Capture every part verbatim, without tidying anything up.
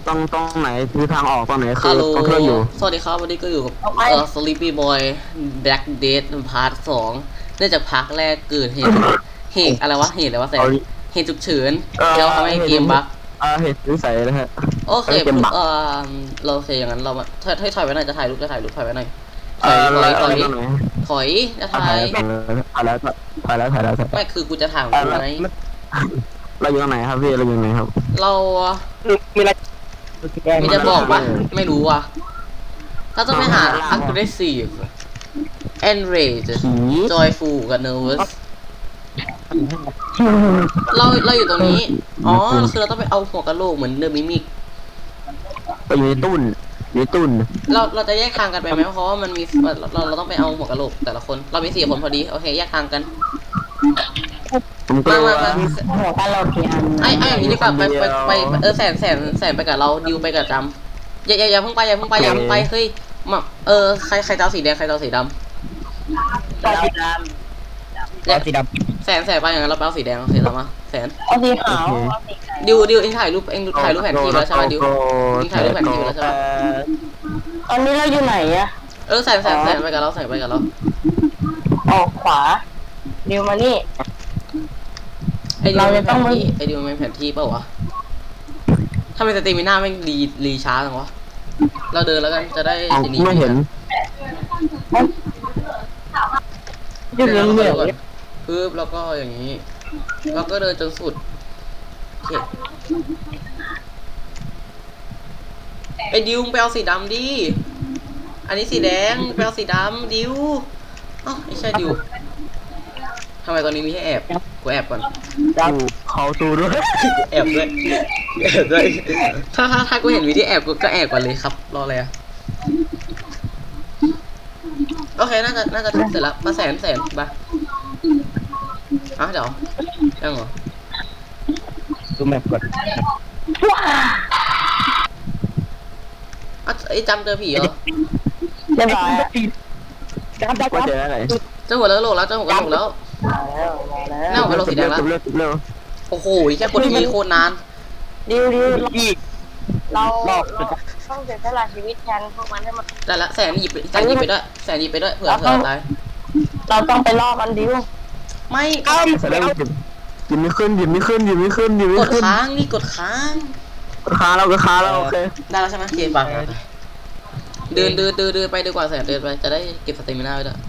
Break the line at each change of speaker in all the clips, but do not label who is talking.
ต้องต้องไหนคือทางออกตรงไหนคื
ฮั
อ
ลโหล
ตรงเครื่องอยู่
สวัสดีครับวันนี้ก็อยู่กับเอ่อ Sleepy Boy Black Death พาร์ทสองเนื่องจากพาร์ทแรกเกิดเหตุเหตุอะไรวะเหตุอะไรวะแสนเหตุฉุกเฉินแล้วทำให้เกมบั๊ก
เออเหตุวิสัยนะฮะ
โอเค
เกมบั๊ก
เออเราโอเคอย่างนั้นเรามาถอยถอยถอยไว้หน่อยจะถ่ายรูปจะถ่ายรูปถอยไว้หน่อยถอยถอยถอยถอยจะถ่าย
ถ่ายแล้วถ่ายแล้วถ่ายแล้วถ่ายแล้ว
ไม่คือกูจะถ่ายของกูไง
เราอยู่ตรงไหนครับพี่เราอยู่ไหนครับ
เรา
มีอะไร
ไม่จะบอกว่าไม่รู้ว่ะเราต้องไปหา aggressive enraged
ผี
joyful กับ nervous เราเราอยู่ตรงนี้ อ๋อ คือเราต้องไปเอาหัวกะโหลกเหมือนเดอะมิมิก
ไปอยู่ในตุ้นอยู่ในตุ้น
เราเราจะแยกทางกันไปไหมเพราะว่ามันมีเราเราต้องไปเอาหัวกะโหลกแต่ละคน เรามีสี่คนพอดี โอเค แยกทางกัน
ผมก็
มามา
ว่า
มา
หัวกะโหลกกี่อัน
ไอ้ไอ้อย่างนี้ดีกว่าไปไปไปเออแสนแสนแสนไปกับเราดิวไปกับจำอย่าอย่าอย่าเพิ่งไปอย่าเพิ่งไปอย่าเพิ่งไปเฮ้ยมาเออใครใครจะเอาสีแดงใครจะเอาสีดำ
เอาสีด
เนี่ย
ำสีด
แสนแสนไปอย่างนั้นเราไปเอาสีแดงเอาสีดำมาแสน
ำเอาสีขาวเอาสีขาว
ดิวดิวเองถ่ายรูปเองถ่ายรูปแผนที่แล้วใช่ไหมดิวเองถ่ายรูปแผนที่แล้วใช่ไหม
ตอนนี้เราอยู่ไหนอะ
เออแสนแสนแสนไปกับเราแสนไปกับเรา
ออกขวาดิวมานี่
ไอ้ดิว
เรา
มั
จะ
นแผ
ต้อง
นที่ไอ้ดิวมันแผนที่เปล่าวะถ้าเป็นสตรีมิน่าไม่รีรีช้าจังวะเราเดินแล้วกันจะได้
เอา
ทีนี้
ไม่เห็น
อยู่
เดิ
เห
น
ลื
แล้ว
อง
ก็
เหลื
เดิ
อน ง
ก่อนปึ๊บแล้วก็อย่างนี้เราก็เดินจนสุดโอเคไอ้ดิวไปเอาสีดำดิอันนี้สีแดงไปเอาสีดำดิวอ๋อไม่ใช่ดิวทำไมตอนนี้มีให้แอบกูแอบก่อน
กูเขาตูด้วย
แอบด้วยแอบด้วยถ้าถ้าถ้ากูเห็นวิธีแอบกูก็แอบก่อนเลยครับรออะไรอะโอเคน่าจะน่าจะเสร็จแล้วมาแสนแสนไปอ่ะเดี๋ยวยังเหรอ
ดูแมปก่อน
อ่ะไอ้จำเจอผีเหรอ
เรียบร้อยจำได้
ว่า
จำ
เจออะไร
เจอหัวแล้วโหลแล้วเจอหัวกระโหลกแล้ว
มาแล้วมาแล้ว
น่าเอาไปลงสีแดงแล้ว
เร็วเร็ว
โอ้โหแค่กดทีโคตรนาน
ดิวดิว
อีก
เราเราต้องเสียสละชีวิตแทนพวกมันให้มัน
แต่ละแสนหยิบแสนหยิบไปด้วยแสนหยิบไปด้วยเผื่อเผื่อตาย
เราต้องไปล่อมันดิว
ไม่
เอ้า
แสดงว่าหยิบหยิบไม่ขึ้นหยิบไม่ขึ้นหยิบไม่ขึ้นหยิบ
ก
ไม่
ด
ขึ้น
ค้างนี่กดค้าง
ค้าเราก็ค้าเราโอเค
ได้แล้วใช่ไหมเกมบังเดินเดินเดินเดินไปดีกว่าแสนเดินไปจะได้เก็บสเตมิน่าไว้ด้วย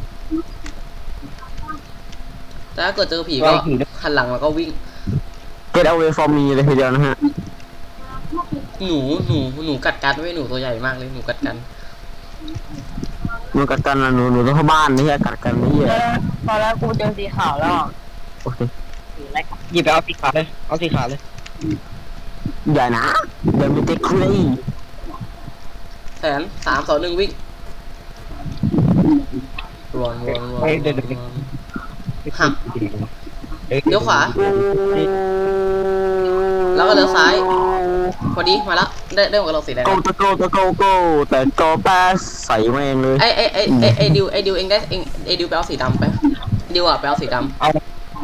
แต่ถ้าเกิดเจอผีก็หันหลังแล้วก็วิ่ง
get away from me เลยทีเดียวนะฮะ
หนูหนูหนูกัดกันไม่หนูตัวใหญ่มากเลยหนูกัดกัน
หนูกัดกันนะหนูหนูต้องเข้าบ้านนี่แหละกัดกันนี่แหละ
พอแล้วกูเจอสีขาวแล้ว
โอเค
หยิบไปเอาสีขาวเลยเอาสีขาวเลย
อย่านะเดี๋ยวมีเต็กครี
แสนสามสองหนึ่งวิ่งรวนรวนรวนหักเลี้ยวขวาแล้วก็เลี้ยวซ้ายพอดีมาแล้วได้ได้หมดกับเราสีแดง
โกตะโกตะโกโกแต่โกแปสใส่แม่งเลย
ไอไอไอไอไอดิวไอดิวเองได้เองไอดิวไปเอาสีดำไปดิวอ่ะไปเอาสีดำ
เอา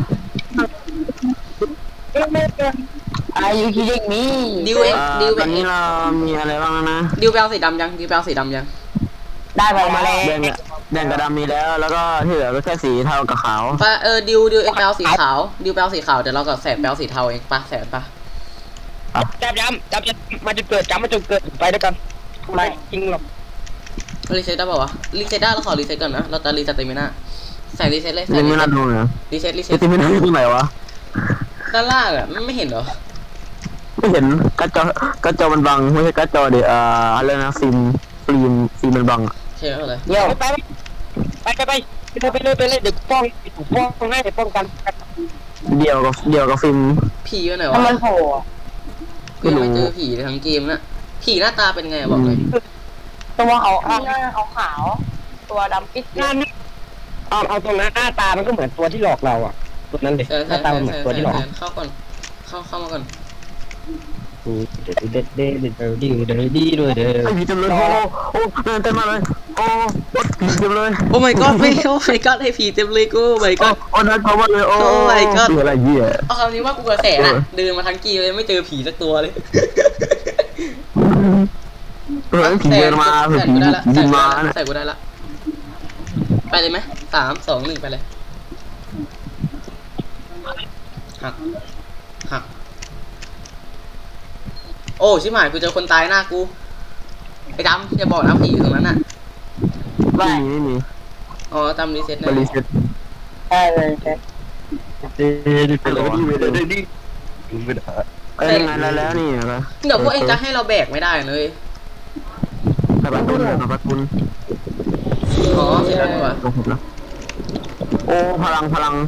Are you kidding me
ดิวเองดิว
ตอนนี้เรามีอะไรบ้างนะ
ดิวไปเอาสีดำยังดิวไปเอาสีดำยัง
ได้ไปมาแล้ว
แดงกับแดงกับดำมีแล้ว แล้วก็ที่เหลือก็แค่สีเทากับขาว
ไปเออดิวดิวเองไปเอาสีขาวดิวไปเอาสีขาวเดี๋ยวเรากับแสนไปเอาสีเทาเองปะแสนปะ
จับย้ำจับจะมาจะเกิดจับมาจนเกิดไปด้วยกันไม่จริงหรอก
รีเซ็ตได้ป่าวะรีเซ็ตได้เราขอรีเซ็ตก่อนนะเราจะรีเซ็ตเตมิน่าแสนรีเซ็ตเลยแส
ยั
น
ง
รี
ไม่
เซ็
น่า
ต
ดูเลย
รีเซ็ตรีเซ็
ไอ้
ต
ที่ไม่น่าดูตรงไหนวะ
ด้านล่างอ่ะไม่เห็นเหรอ
ไม่เห็นกัดจอกัดจอมันบังไม่ใช่กัดจอเดี๋ยวอ่าอะไรนะฟิล์มฟิล์มฟิล์มมันบัง
ใช่ไหมเลย
เดี๋ยวไปไปไปไปไปเลยไปเลยเดี๋ยวป้องป้องให้เดี๋ยวป้องกัน
เดียวกับเดียวกับฟิล์ม
ผีอยู่ไหนวะ
ถ้ามันโผล่
กูยังไม่เจอผีเลยทั้งเกมนะผีหน้าตาเป็นไงบอกเลย
ตัวเขาหน้าเขาขาวตัวดำปิดหน้านี่เอาเอาตรงนั้นหน้าตามันก็เหมือนตัวที่หลอกเราอ่ะตัวนั้นเลย
แสน
ห
แส
น้าน ตามันเหมือนตัวที่หลอก
แสนเข้าก่อนเข้าเข้ามาก่อน
เด็ดเด็ดเด็ดเด็ดเด็ดเด็ดดีด้วยเด้อ
ไอ้ผีเต็มเลยโอ้โอ้เต็มมาเลยโอ้ผีเต็มเลย
โอ้ my god ไม่โอ้ my god ให้ผีเต็มเลยกู oh my god
โอ้น่ากลัวมากเลยโอ้
Oh my god
อะไรเหี้ย
เอาคำนี้ว่ากูกระแสน่ะเดินมาทั้งกีเลยไม่เจอผีสักตัวเลย
ดเฮ้ยผีเดินมา
ใส่
ผี
กูได้ละ
ผี
ใส่
บิน
กู
มา
ได้ละ
เนี่ย
ใส่กูได้ละไปเลยไหมสามสองหนึ่งไปเลยหักหักโอ้ชิบหายกูเจอคนตายหน้ากูไอ้ดำอย่าบอกนะผีอยู่ตรงนั้นน่ะ
ไม่มีไม่มี
อ๋อดำรีเซ็ต
บ
แน่
ริษัท
ใช่เลยใช่
เอ้ยไปเลยดิไปเลยดิเอ้ยงานแล้วแล้วนี่นะครับ
เดี๋ยวพวกเองจะให้เราแบกไม่ได้เลย
ขับประตูขับประตู
อ๋อเสร็จแล้วนี่หว่า
ลงผมแล้วโอ้พลังพลัง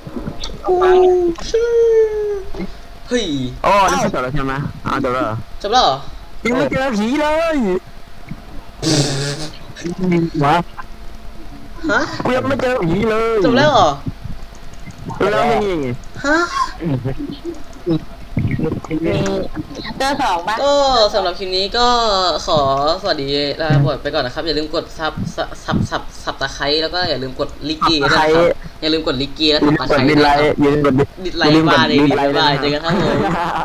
เฮ้ย
โอ้นี่จบแล้วใช่ไหมอ่าจบแล้ว
จบแล้วเหรอ
ยังไม่เจอผีเลย
วะ
ฮะ
กูยังไม่เจอผีเลย
จบแล้วเหรอ
แล้วยังไง
ฮะ
มีเจอสองบ้าง
ก็สำหรับคลิปนี้ก็ขอสวัสดีลาบทไปก่อนนะครับ อย่าลืมกดซับซับซับซับซับตะไคร้แล้วก็อย่าลืมกดลิกกี้ด้วยนะครับอย่าลืมกดลิกกี้และ
ยื
ซั
น
บตะ
ก
ไค
ด
ร้
ดิ
ด้
น
วย
ไล
นะครับ
ท์ยืนกด
ดิสไลค์บ้าเลยดิสไลค์บ้าเจอกันครับผม